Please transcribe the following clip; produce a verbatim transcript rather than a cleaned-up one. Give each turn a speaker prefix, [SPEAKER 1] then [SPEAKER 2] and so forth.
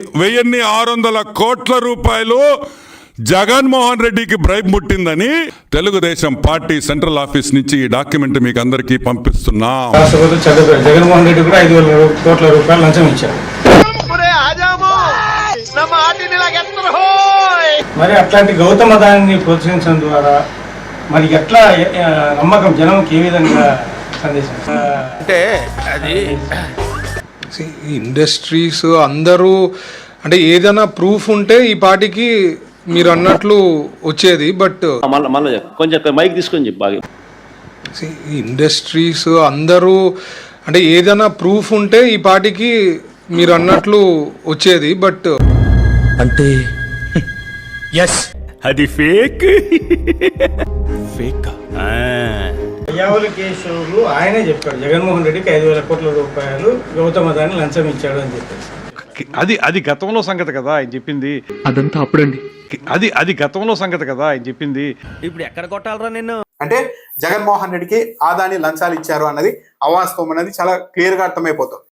[SPEAKER 1] వెయ్యిన్ని ఆరు వందల కోట్ల రూపాయలు జగన్మోహన్ రెడ్డికి బ్రైబ్ ముట్టిందని తెలుగుదేశం పార్టీ సెంట్రల్ ఆఫీస్ నుంచి ఈ డాక్యుమెంట్ మీకు అందరికీ పంపిస్తున్నాం.
[SPEAKER 2] జగన్మోహన్ రెడ్డి కూడా ఐదు వేల కోట్ల రూపాయలు లంచం ఇచ్చారు. మరి అట్లాంటి గౌతమ దాన్ని ప్రోత్సహించడం ద్వారా మరి ఎట్లా నమ్మకం జనంకి ఏ విధంగా సందేశం
[SPEAKER 3] అంటే అది
[SPEAKER 4] ఇండస్ట్రీస్ అందరూ అంటే ఏదైనా ప్రూఫ్ ఉంటే ఈ పార్టీకి మీరు అన్నట్లు వచ్చేది. బట్
[SPEAKER 3] కొంచెం మైక్ తీసుకొని చెప్పి బాగా
[SPEAKER 4] ఇండస్ట్రీస్ అందరూ అంటే ఏదైనా ప్రూఫ్ ఉంటే ఈ పార్టీకి మీరు అన్నట్లు వచ్చేది. బట్
[SPEAKER 5] అంటే ఎస్ అది ఫేక్ ఫేక్
[SPEAKER 2] అయ్యావుల కేశవులు ఆయనే చెప్పాడు జగన్మోహన్ రెడ్డికి ఐదు వేల కోట్ల రూపాయలు గౌతమ దాన్ని లంచం ఇచ్చాడు అని చెప్పేసి.
[SPEAKER 6] అది అది గతంలో సంగతి కదా ఆయన చెప్పింది.
[SPEAKER 7] అదంతా అప్పుడండి.
[SPEAKER 6] అది అది గతంలో సంగతి కదా ఆయన చెప్పింది.
[SPEAKER 5] ఇప్పుడు ఎక్కడ కొట్టాలరా నిన్ను?
[SPEAKER 8] అంటే జగన్మోహన్ రెడ్డికి ఆదాని లంచాలు ఇచ్చారు అన్నది అవాస్తవం అనేది చాలా క్లియర్ గా అర్థమైపోతుంది.